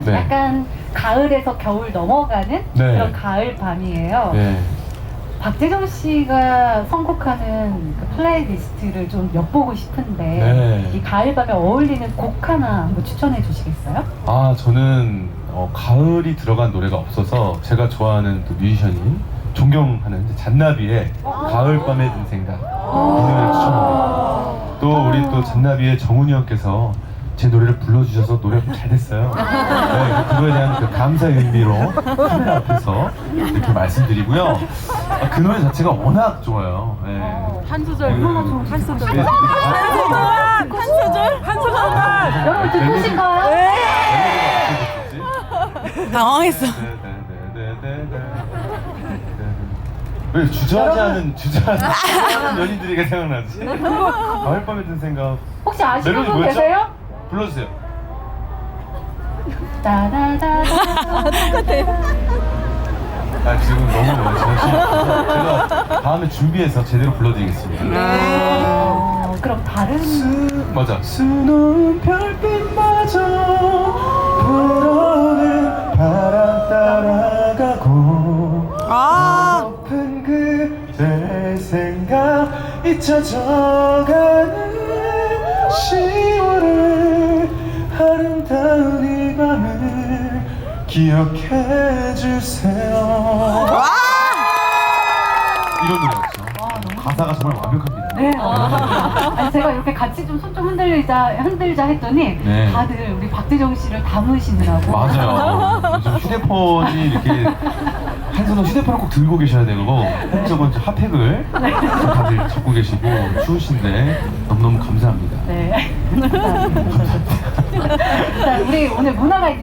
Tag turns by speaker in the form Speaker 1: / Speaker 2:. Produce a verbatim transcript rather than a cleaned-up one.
Speaker 1: 네.
Speaker 2: 약간 가을에서 겨울 넘어가는
Speaker 1: 네.
Speaker 2: 그런 가을 밤이에요.
Speaker 1: 네.
Speaker 2: 박재정 씨가 선곡하는 그 플레이리스트를 좀 엿보고 싶은데
Speaker 1: 네.
Speaker 2: 이 가을 밤에 어울리는 곡 하나 한번 추천해 주시겠어요?
Speaker 1: 아, 저는 어, 가을이 들어간 노래가 없어서 제가 좋아하는 또 뮤지션인 존경하는 이제 잔나비의 가을밤에 든 생각 이 노래를 추천합니다. 또 우리 또 잔나비의 정훈이 형께서 제 노래를 불러주셔서 노래가 잘 됐어요. 네, 그거에 대한 그 감사의 의미로 카메라 앞에서 이렇게 말씀드리고요. 아, 그 노래 자체가 워낙 좋아요. 네.
Speaker 3: 한 소절,
Speaker 1: 네.
Speaker 3: 한 소절.
Speaker 1: 네, 네,
Speaker 3: 한 소절? 한 소절만!
Speaker 2: 여러분 듣고 싶어요?
Speaker 3: 당황했어.
Speaker 1: 왜 주저하지 않은 주저하지 않은 연인들이가 생각나지? 가을밤에 든 생각.
Speaker 2: 혹시 아시는
Speaker 1: 멜로디
Speaker 2: 분
Speaker 1: 뭐였죠?
Speaker 2: 계세요?
Speaker 1: 불러주세요.
Speaker 2: 따다다다.
Speaker 1: 아, 지금 너무 정신. 제가 다음에 준비해서 제대로 불러드리겠습니다.
Speaker 2: 어, 그럼 다른
Speaker 1: 수, 맞아. 수놓은 별빛마저 불어오는 바람 따라가고
Speaker 3: 아,
Speaker 1: 높은 그대 생각 잊혀져가는 시월의 아름다운 이 밤을 기억해 주세요. 이런 노래였죠. 가사가 정말 완벽합니다.
Speaker 2: 네. 아, 아니, 제가 이렇게 같이 좀 손 좀 흔들자 흔들자 했더니
Speaker 1: 네.
Speaker 2: 다들 우리 박재정 씨를 담으시느라고.
Speaker 1: 맞아요. 요즘 휴대폰이 이렇게 한 손으로 휴대폰을 꼭 들고 계셔야 되고 한쪽은 좀 핫팩을 다들 잡고 계시고 추우신데 너무너무 감사합니다.
Speaker 2: 네. 감사합니다. 자, 우리 오늘 문화가